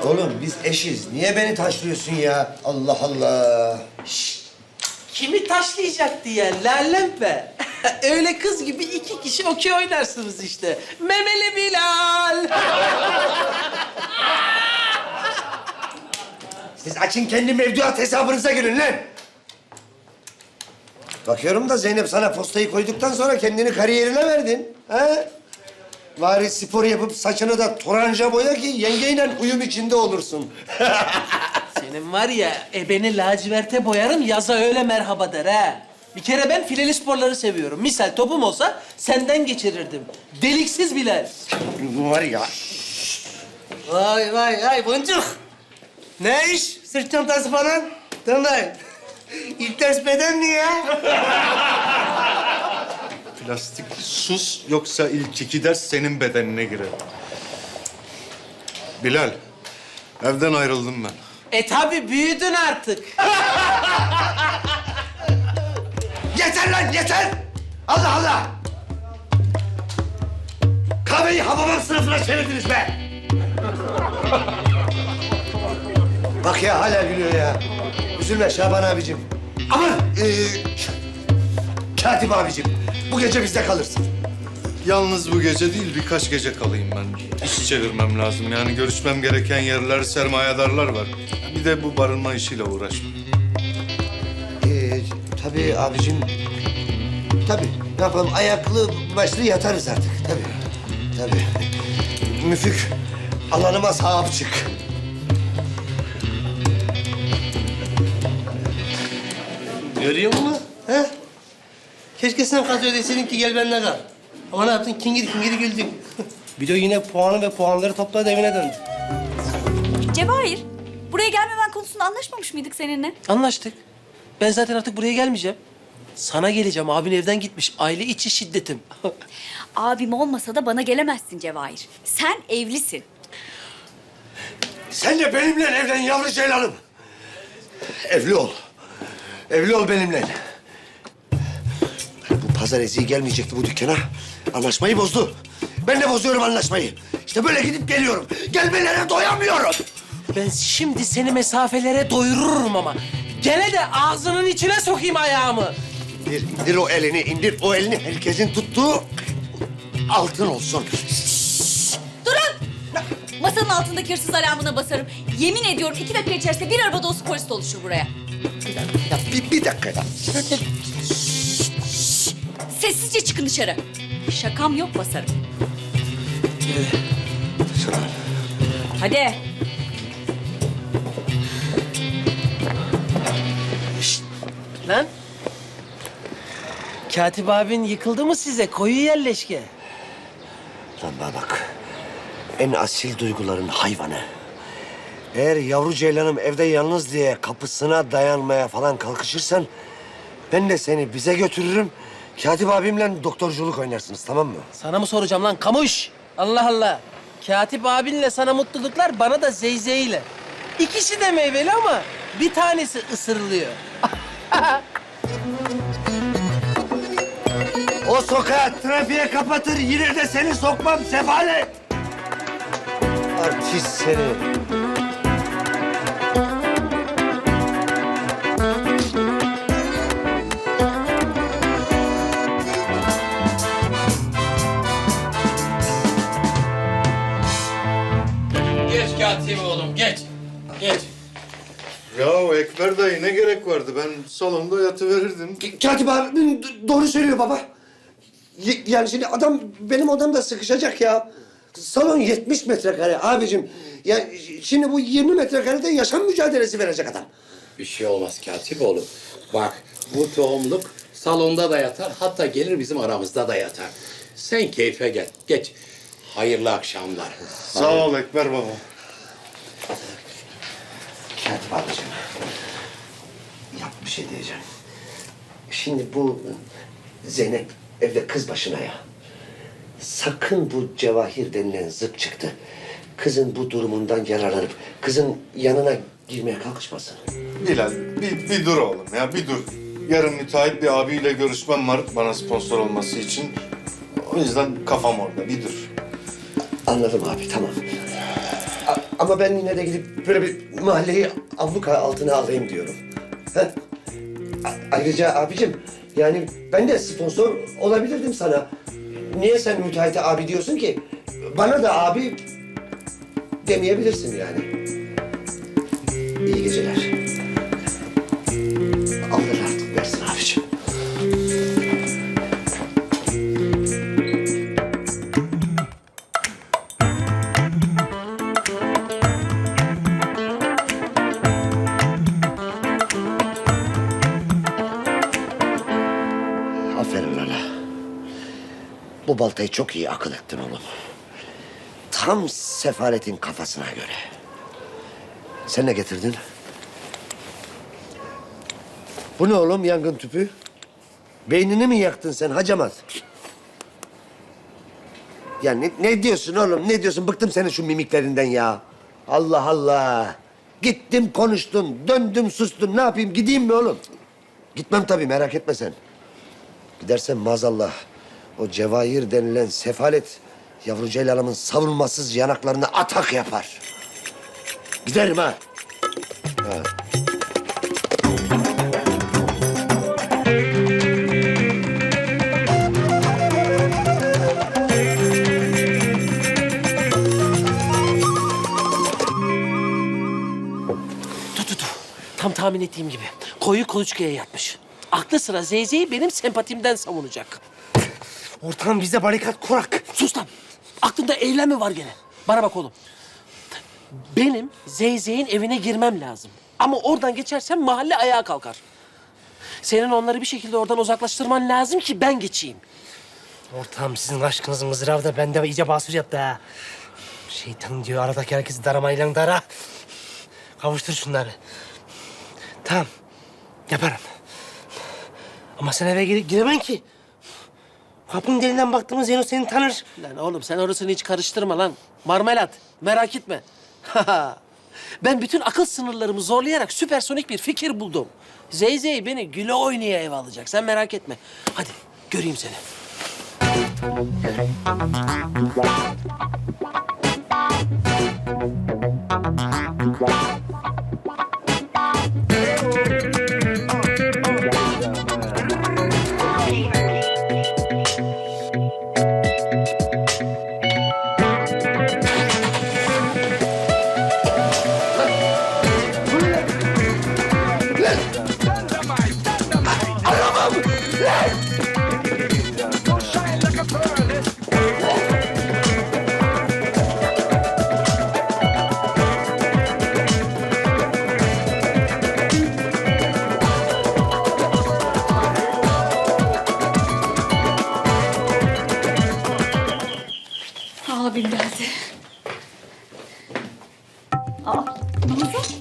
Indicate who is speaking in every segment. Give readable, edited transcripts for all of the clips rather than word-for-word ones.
Speaker 1: Oğlum biz eşiz. Niye beni taşlıyorsun ya? Allah Allah.
Speaker 2: Kimi taşlayacak diye lalempe. Öyle kız gibi 2 kişi okey oynarsınız işte. Memeli Bilal.
Speaker 1: Siz açın kendi mevduat hesabınıza girin lan. Bakıyorum da Zeynep sana postayı koyduktan sonra kendini kariyerine verdin. Ha? Bari spor yapıp saçını da toranja boya ki yengeyle uyum içinde olursun.
Speaker 2: Senin var ya ebeni laciverte boyarım yaza öyle merhaba der ha. Bir kere ben fileli sporları seviyorum. Misal topum olsa senden geçirirdim. Deliksiz Bilal.
Speaker 1: Var ya.
Speaker 3: Vay vay vay boncuk. Ne iş? Sırt çantası falan. Tamam. İlk ders beden mi ya?
Speaker 4: Plastik sus yoksa ilk 2 ders senin bedenine girer. Bilal, evden ayrıldım ben.
Speaker 2: Tabi büyüdün artık.
Speaker 1: Yeter lan yeter! Allah Allah! Kahveyi Hababam sınıfına çevirdiniz be! Bak ya hala gülüyor ya. Üzülme Şaban abicim. Aman! Katip abicim. Bu gece bizde kalırsın.
Speaker 4: Yalnız bu gece değil birkaç gece kalayım ben. İş çevirmem lazım. Yani görüşmem gereken yerler, sermayedarlar var. Bir de bu barınma işiyle uğraşmam.
Speaker 1: Tabii abicim. Tabii. Ne yapalım? Ayaklı başlı yatarız artık. Tabii. Müfük. Alanıma sahip çık.
Speaker 3: Görüyor musun? He? Keşke sen kaz ödeseydin ki gel benimle kal. Ama ne yaptın? Kingir kingir güldün. Bir de yine puanı ve puanları topladı evine döndü.
Speaker 5: Cevahir, buraya gelmemen konusunda anlaşmamış mıydık seninle?
Speaker 2: Anlaştık. Ben zaten artık buraya gelmeyeceğim. Sana geleceğim. Abin evden gitmiş. Aile içi şiddetim.
Speaker 5: Abim olmasa da bana gelemezsin Cevahir. Sen evlisin.
Speaker 1: Sen de benimle evlen yavru ceylanım. Evli ol. Evli ol benimle. Bu pazar eziği gelmeyecekti bu dükkana. Anlaşmayı bozdu. Ben de bozuyorum anlaşmayı. İşte böyle gidip geliyorum. Gelmelere doyamıyorum.
Speaker 2: Ben şimdi seni mesafelere doyururum ama. Gene de ağzının içine sokayım ayağımı.
Speaker 1: İndir o elini, indir o elini. Herkesin tuttuğu altın olsun.
Speaker 5: Durun! Masanın altındaki hırsız alarmına basarım. Yemin ediyorum 2 dakika içerisinde bir araba dolusu polis doluşur buraya.
Speaker 1: Bir dakika.
Speaker 5: Sessizce çıkın dışarı. Şakam yok basarım. Hadi.
Speaker 2: Lan. Katip abin yıkıldı mı size? Koyu yerleşke.
Speaker 1: Lan bana bak. En asil duyguların hayvanı. Eğer yavru ceylanım evde yalnız diye kapısına dayanmaya falan kalkışırsan... ...ben de seni bize götürürüm. Katip abimle doktorculuk oynarsınız, tamam mı?
Speaker 2: Sana mı soracağım lan kamuş? Allah Allah. Katip abinle sana mutluluklar, bana da zeyzeyle. İkisi de meyveli ama bir tanesi ısırılıyor.
Speaker 1: O sokağı trafiğe kapatır, yine de seni sokmam sefalet. Artist seni.
Speaker 6: Geç katip oğlum, geç. Geç.
Speaker 4: Ya Ekber dayı ne gerek vardı? Ben salonda yatıverirdim.
Speaker 1: Katip abim doğru söylüyor baba. Yani şimdi adam benim odamda sıkışacak ya. Salon 70 metrekare abicim. Ya şimdi bu 20 metrekarede yaşam mücadelesi verecek adam.
Speaker 6: Bir şey olmaz katip oğlum. Bak, bu tohumluk salonda da yatar, hatta gelir bizim aramızda da yatar. Sen keyfe gel, geç. Hayırlı akşamlar.
Speaker 4: Sağ ol Ekber baba.
Speaker 1: Katip abicim. Yap bir şey diyeceğim. Şimdi bu Zeynep evde kız başına ya. Sakın bu Cevahir denilen zıp çıktı. Kızın bu durumundan yararlanıp kızın yanına girmeye kalkışmasın.
Speaker 4: Bilal bir dur oğlum ya bir dur. Yarın müteahhit bir abiyle görüşmem var bana sponsor olması için. O yüzden kafam orada bir dur.
Speaker 1: Anladım abi, tamam. Ama ben yine de gidip böyle bir mahalleyi abluka altına alayım diyorum. Ha? Ayrıca abicim, yani ben de sponsor olabilirdim sana. Niye sen müteahhite abi diyorsun ki? Bana da abi demeyebilirsin yani. İyi geceler. Allah artık versin abicim. Aferin Lala. Bu baltayı çok iyi akıl ettin oğlum. Tam sefaletin kafasına göre. Sen ne getirdin? Bu ne oğlum, yangın tüpü? Beynini mi yaktın sen hacamat? Ya ne diyorsun oğlum, ne diyorsun? Bıktım senin şu mimiklerinden ya. Allah Allah. Gittim konuştun, döndüm sustum. Ne yapayım, gideyim mi oğlum? Gitmem tabii, merak etme sen. Gidersen maazallah o Cevahir denilen sefalet yavru ceylanımın savunmasız yanaklarına atak yapar. Giderim ha.
Speaker 2: Dur. Tam tahmin ettiğim gibi. Koyu kuluçkaya yatmış. Aklı sıra Zeyze'yi benim sempatimden savunacak.
Speaker 3: Ortam bize barikat kurak.
Speaker 2: Sus lan. Aklında eylem mi var gene? Bana bak oğlum. Benim Zeyze'nin evine girmem lazım. Ama oradan geçersem mahalle ayağa kalkar. Senin onları bir şekilde oradan uzaklaştırman lazım ki ben geçeyim.
Speaker 3: Ortam sizin aşkınız mızrağı da bende iyice basur yaptı ha. Şeytan diyor aradaki herkesi daramayla dara. Kavuştur şunları. Tamam. Yaparım. Ama sen eve giremem ki. Kapının delinden baktığımız Zeyno seni tanır.
Speaker 2: Lan oğlum sen orasını hiç karıştırma lan. Marmelat. Merak etme. Ben bütün akıl sınırlarımı zorlayarak süpersonik bir fikir buldum. Zeyzey beni güle oynaya eve alacak. Sen merak etme. Hadi göreyim seni.
Speaker 5: Abim geldi. Aa, Nazan.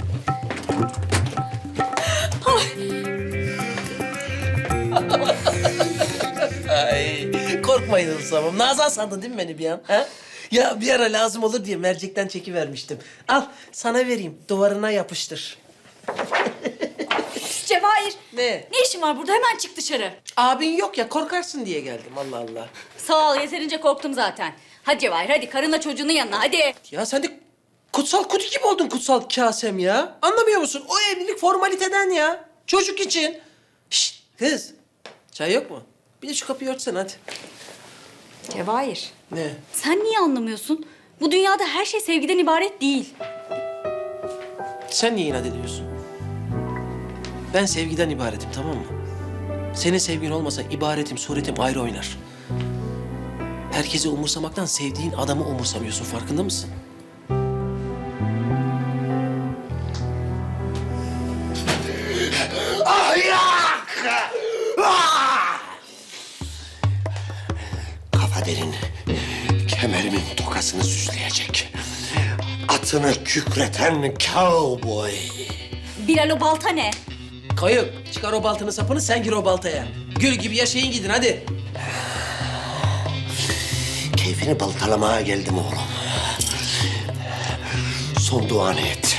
Speaker 2: Ay, korkmayın Hırsam. Nazan sandın değil mi beni bir an? Ha? Ya bir ara lazım olur diye mercekten çekivermiştim. Al sana vereyim. Duvarına yapıştır.
Speaker 5: Cevahir.
Speaker 2: Ne?
Speaker 5: Ne işin var burada? Hemen çık dışarı.
Speaker 2: Abin yok ya korkarsın diye geldim Allah Allah.
Speaker 5: Sağ ol, yeterince korktum zaten. Hadi Cevahir, hadi karınla çocuğunun yanına, hadi.
Speaker 2: Ya sen de kutsal kutu gibi oldun kutsal kasem ya. Anlamıyor musun? O evlilik formaliteden ya. Çocuk için. Şşt kız. Çay yok mu? Bir de şu kapıyı örtsen hadi.
Speaker 5: Cevahir,
Speaker 2: Ne?
Speaker 5: sen niye anlamıyorsun? Bu dünyada her şey sevgiden ibaret değil.
Speaker 2: Sen niye inat ediyorsun? Ben sevgiden ibaretim tamam mı? Senin sevgin olmasa ibaretim, suretim ayrı oynar. Herkesi umursamaktan sevdiğin adamı umursamıyorsun. Farkında mısın?
Speaker 1: Ahlak! Ah! Kafa derin, kemerimin tokasını süsleyecek. Atını kükreten cowboy.
Speaker 5: Bilal, o balta ne?
Speaker 2: Kayıp. Çıkar o baltını sapını sen gir o baltaya. Gül gibi yaşayın gidin hadi.
Speaker 1: Keyfini baltalamaya geldim oğlum. Son duanı et.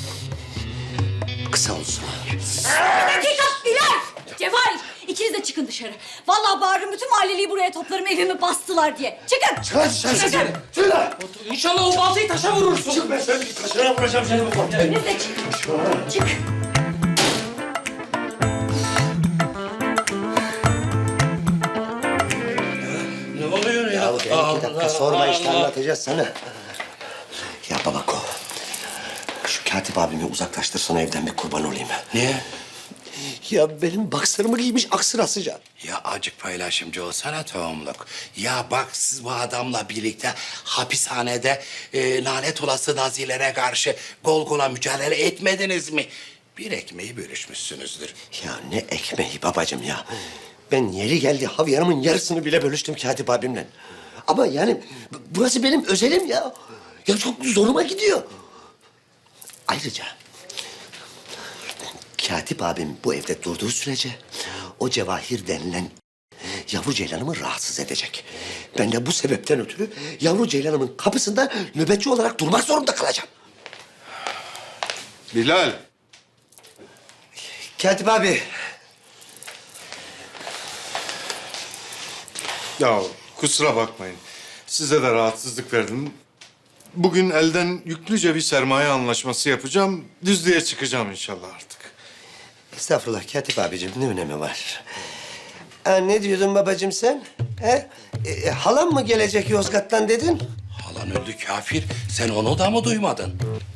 Speaker 1: Kısa olsun.
Speaker 5: Bir dakika, Bilal! Cevahir, ikiniz de çıkın dışarı. dışarı. Vallahi bağırırım, bütün mahalleliyi buraya toplarım, evimi bastılar diye. Çıkın!
Speaker 1: Çıkın! Çıkın!
Speaker 2: İnşallah o baltayı taşa vurursun.
Speaker 1: Çık ben seni taşına vuracağım seni bu konuda.
Speaker 5: Siz de çıkın. Çık!
Speaker 6: Ne oluyor ya?
Speaker 1: Ya gel 2 dakika sorma işte anlatacağız sana. Ya babako, şu katip abimi uzaklaştırsana evden bir kurban olayım.
Speaker 6: Niye?
Speaker 1: Ya benim baksırımı giymiş aksırasıca.
Speaker 6: Ya acık paylaşımcı olsana tohumluk. Ya bak siz bu adamla birlikte hapishanede lanet olası nazilere karşı kol kola mücadele etmediniz mi? Bir ekmeği bölüşmüşsünüzdür.
Speaker 1: Ya ne ekmeği babacığım ya. Ben yeri geldi havyarımın yarısını bile bölüştüm katip abimle. Ama yani burası benim özelim ya. Ya çok zoruma gidiyor. Ayrıca katip abim bu evde durduğu sürece o Cevahir denilen yavru ceylanımı rahatsız edecek. Ben de bu sebepten ötürü yavru ceylanımın kapısında nöbetçi olarak durmak zorunda kalacağım.
Speaker 4: Bilal.
Speaker 1: Katip abi.
Speaker 4: Ya kusura bakmayın. Size de rahatsızlık verdim. Bugün elden yüklüce bir sermaye anlaşması yapacağım. Düzlüğe çıkacağım inşallah artık.
Speaker 1: Estağfurullah Katip abicim ne önemi var? Ne diyordun babacığım sen? Halam mı gelecek Yozgat'tan dedin?
Speaker 6: Halan öldü kafir. Sen onu da mı duymadın?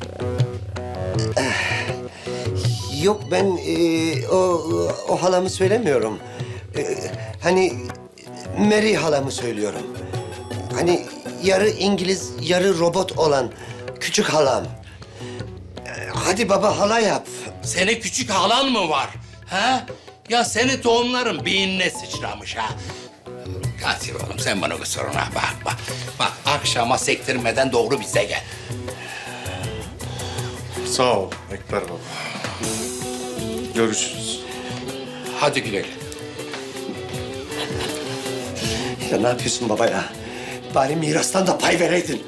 Speaker 1: Yok ben o halamı söylemiyorum. Hani Mary halamı söylüyorum. Hani yarı İngiliz yarı robot olan küçük halam. Hadi baba hala yap.
Speaker 6: Senin küçük halan mı var? Ha? Ya seni tohumların beynine sıçramış ha. Katil oğlum sen bana kusuruna bakma. Bak akşama sektirmeden doğru bize gel.
Speaker 4: Sağ ol Ekber baba. Görüşürüz.
Speaker 6: Hadi güle güle.
Speaker 1: Ya ne yapıyorsun baba ya? Bari mirastan da pay vereydin.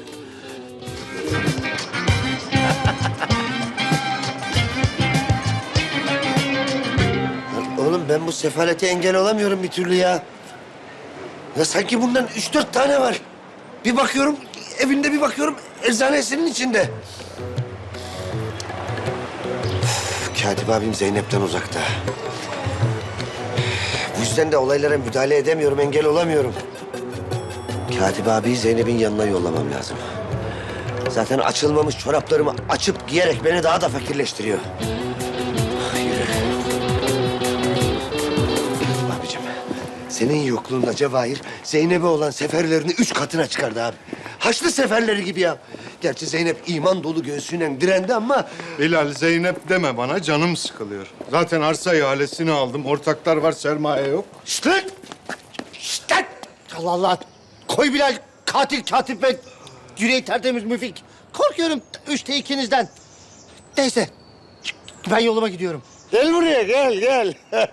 Speaker 1: Oğlum ben bu sefalete engel olamıyorum bir türlü ya. Ya sanki bundan 3-4 tane var. Bir bakıyorum evinde bir bakıyorum eczanesinin içinde. Üf, Katip abim Zeynep'ten uzakta. Bu yüzden de olaylara müdahale edemiyorum, engel olamıyorum. Katip abiyi Zeynep'in yanına yollamam lazım. Zaten açılmamış çoraplarımı açıp giyerek beni daha da fakirleştiriyor. Yürü. Abicim, senin yokluğunda Cevahir Zeynep'e olan seferlerini 3 katına çıkardı abi. Haçlı seferleri gibi ya. Gerçi Zeynep iman dolu göğsüyle direndi ama...
Speaker 4: Bilal Zeynep deme bana canım sıkılıyor. Zaten arsa ihalesini aldım. Ortaklar var sermaye yok.
Speaker 1: Şşt lan! Şşt lan! Allah Allah! Koy Bilal, katil katip ve yüreği tertemiz Müfik. Korkuyorum 3'te 2'nizden. Neyse, ben yoluma gidiyorum. Gel buraya, gel.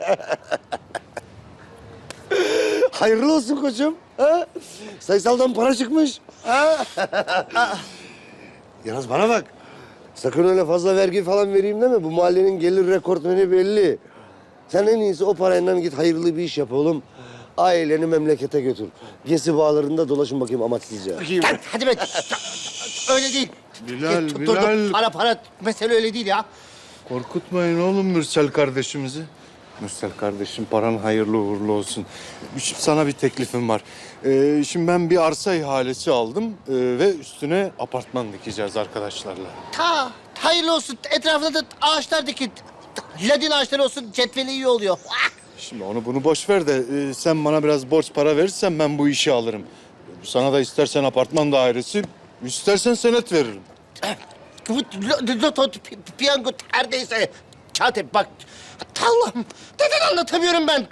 Speaker 1: Hayırlı olsun koçum. Ha? Sayısaldan para çıkmış. Ha? Yalnız bana bak. Sakın öyle fazla vergi falan vereyim deme. Bu mahallenin gelir rekortmeni belli. Sen en iyisi o parayla git hayırlı bir iş yap oğlum. Aileni memlekete götür. Gezi bağlarında dolaşın bakayım amaçsızca.
Speaker 3: Hadi be. Öyle değil.
Speaker 4: Bilal,
Speaker 3: Dur,
Speaker 4: Bilal.
Speaker 3: para mesele öyle değil ya.
Speaker 4: Korkutmayın oğlum Mürsel kardeşimizi. Mürsel kardeşim paran hayırlı uğurlu olsun. Sana bir teklifim var. Şimdi ben bir arsa ihalesi aldım ve üstüne apartman dikeceğiz arkadaşlarla.
Speaker 3: Hayırlı olsun. Etrafında da ağaçlar dikin. Ladin ağaçları olsun. Cetveli iyi oluyor.
Speaker 4: Şimdi onu bunu boş ver de sen bana biraz borç para verirsen ben bu işi alırım. Sana da istersen apartman dairesi, istersen senet veririm.
Speaker 3: Loto, piyango her neyse. Katip bak. Allah'ım. Neden anlatamıyorum ben?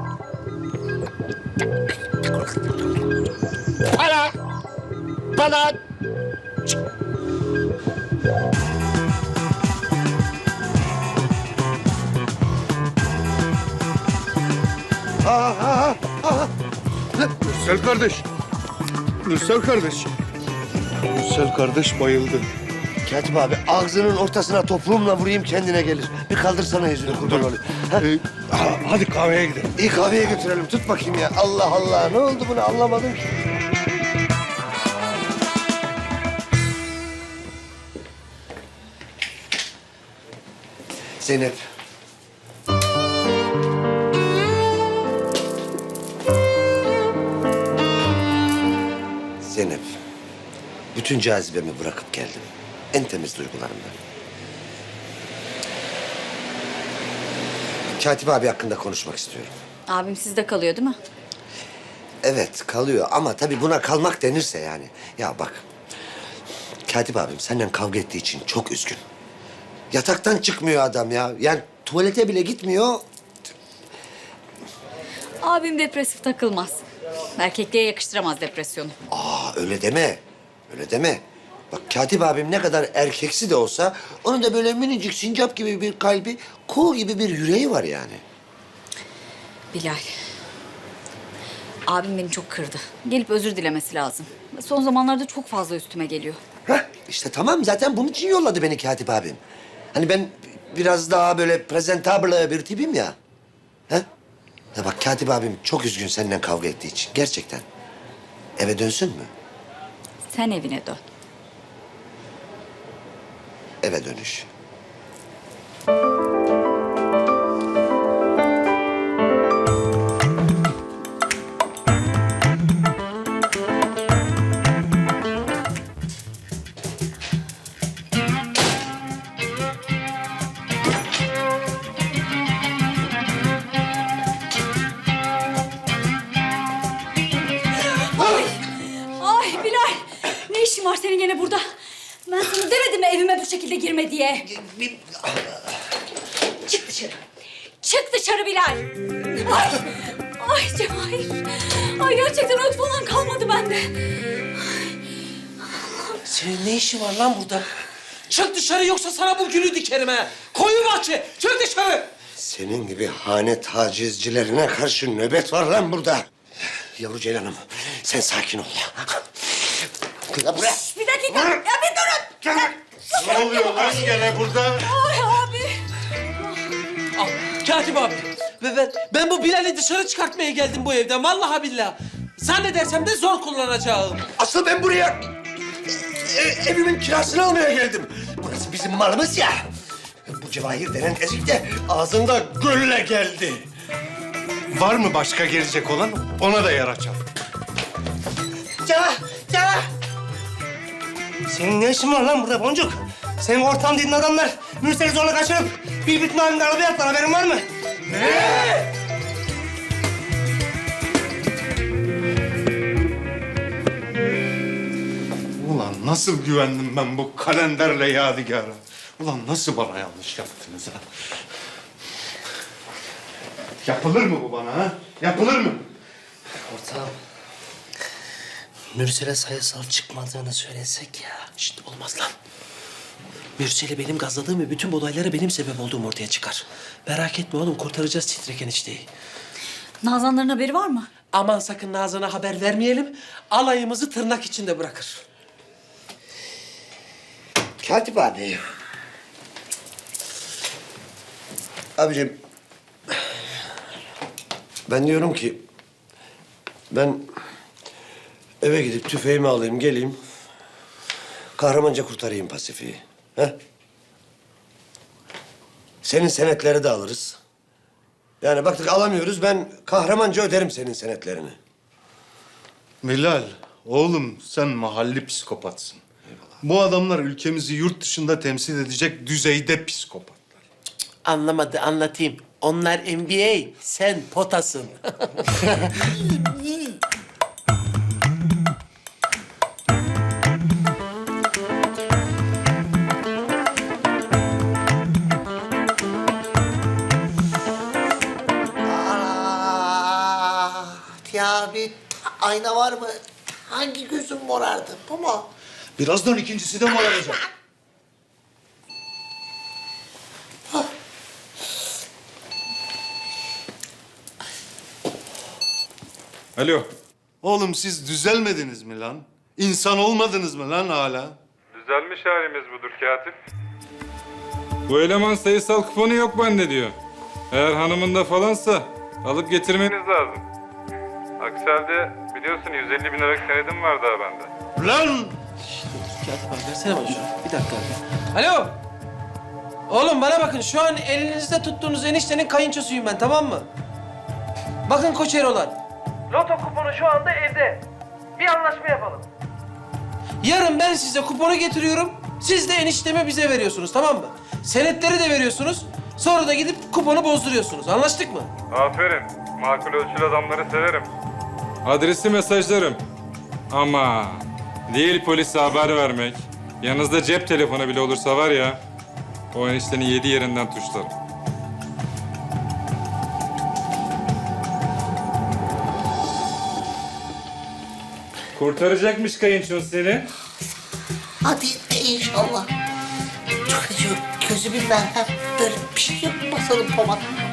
Speaker 3: Para. Bana.
Speaker 4: Mürsel kardeş. Mürsel kardeş. Mürsel kardeş bayıldı.
Speaker 1: Katip abi ağzının ortasına topuğumla vurayım kendine gelir. Bir kaldırsana yüzünü kurban olayım. Ha?
Speaker 4: Hadi kahveye gidelim.
Speaker 1: İyi kahveye götürelim. Tut bakayım ya. Allah Allah. Ne oldu bunu anlamadım ki. Zeynep. Zeynep. Bütün cazibemi bırakıp geldim. En temiz duygularımla. Katip abi hakkında konuşmak istiyorum.
Speaker 5: Abim sizde kalıyor değil mi?
Speaker 1: Evet kalıyor ama tabii buna kalmak denirse yani. Ya bak. Katip abim senden kavga ettiği için çok üzgün. Yataktan çıkmıyor adam ya. Yani tuvalete bile gitmiyor.
Speaker 5: Abim depresif takılmaz. Erkekliğe yakıştıramaz depresyonu.
Speaker 1: Öyle deme. Öyle deme. Bak Katip abim ne kadar erkeksi de olsa... ...onun da böyle minicik sincap gibi bir kalbi... ...kuğu gibi bir yüreği var yani.
Speaker 5: Bilal. Abim beni çok kırdı. Gelip özür dilemesi lazım. Son zamanlarda çok fazla üstüme geliyor.
Speaker 1: Heh, işte tamam zaten bunun için yolladı beni Katip abim. Hani ben biraz daha böyle presentable bir tipim ya. He? Ya bak Katip abim çok üzgün seninle kavga ettiği için. Gerçekten. Eve dönsün mü?
Speaker 5: Sen evine dön.
Speaker 1: Eve dönüş.
Speaker 5: Ay Bilal. Ne işin var senin gene burada? Ben sana demedim mi evime bu şekilde girme diye? Çık dışarı. Çık dışarı Bilal. Ay. Ay Cevahir. Ay gerçekten öt falan kalmadı bende.
Speaker 2: Senin ne işin var lan burada? Çık dışarı yoksa sana bu gülü dikerim ha. Koyu bahçe, çık dışarı.
Speaker 1: Senin gibi hane tacizcilerine karşı nöbet var lan burada. Yavru Ceylan'ım, sen sakin ol. Kıla buraya.
Speaker 5: Bir dakika. Ya bir durun.
Speaker 4: Ne oluyor lan gene burada?
Speaker 5: Ay abi.
Speaker 2: Al, Katip abi. Ben bu Bilal'i dışarı çıkartmaya geldim bu evden. Vallahi billahi. Zannedersem de zor kullanacağım.
Speaker 1: Asıl ben buraya evimin kirasını almaya geldim. Burası bizim malımız ya. Bu Cevahir denen ezik de ağzında gülle geldi.
Speaker 4: Var mı başka gelecek olan? Ona da yer açalım.
Speaker 1: Cevah.
Speaker 3: Senin ne işin var lan burada Boncuk? Senin ortam dediğin adamlar Mürsel'i zorla kaçırıp bir bütün halinde arabaya attılar. Haberin var mı?
Speaker 4: Ulan nasıl güvendim ben bu kalenderle Yadigar'a? Ulan nasıl bana yanlış yaptınız ha? Yapılır mı bu bana ha? Yapılır mı?
Speaker 3: Ortam. Mürsel'e sayısal çıkmadığını söylesek ya.
Speaker 2: Şşt, olmaz lan. Mürsel'i benim gazladığım ve bütün bu olaylara benim sebep olduğum ortaya çıkar. Merak etme oğlum, kurtaracağız Titrek enişteyi.
Speaker 5: Nazanların haberi var mı?
Speaker 2: Aman sakın Nazan'a haber vermeyelim. Alayımızı tırnak içinde bırakır.
Speaker 1: Katip abi. Abicim. Ben diyorum ki... Ben eve gidip tüfeğimi alayım, geleyim. Kahramanca kurtarayım Pasifik'i. He? Senin senetleri de alırız. Yani baktık alamıyoruz, ben kahramanca öderim senin senetlerini.
Speaker 4: Bilal, oğlum sen mahalli psikopatsın. Bu adamlar ülkemizi yurt dışında temsil edecek düzeyde psikopatlar.
Speaker 2: Anlamadı, anlatayım. Onlar NBA, sen potasın.
Speaker 1: Ya bir ayna var mı? Hangi gözüm morardı? Bu mu?
Speaker 4: Birazdan ikincisi de moraracak. Alo. Oğlum siz düzelmediniz mi lan? İnsan olmadınız mı lan hala?
Speaker 7: Düzelmiş halimiz budur katip. Bu eleman sayısal kuponu yok bende diyor. Eğer hanımında falansa alıp getirmeniz lazım. Aksi halde biliyorsun 150 bin liralık senedim var daha bende.
Speaker 4: Lan!
Speaker 2: Katip abi versene bana şunu. Bir dakika abi. Alo. Oğlum bana bakın, şu an elinizde tuttuğunuz eniştenin kayınçosuyum ben, tamam mı? Bakın Koçerolar. Loto kuponu şu anda evde. Bir anlaşma yapalım. Yarın ben size kuponu getiriyorum. Siz de eniştemi bize veriyorsunuz, tamam mı? Senetleri de veriyorsunuz. Sonra da gidip kuponu bozduruyorsunuz. Anlaştık mı?
Speaker 7: Aferin. Makul ölçülü adamları severim. Adresi mesajlarım. Ama değil polise haber vermek. Yanınızda cep telefonu bile olursa var ya, o eniştenin 7 yerinden tuşlarım. Kurtaracakmış kayınçon seni.
Speaker 8: Hadi inşallah. Çok acıyor. Gözümün ben böyle bir şey yok. Basalım pomat.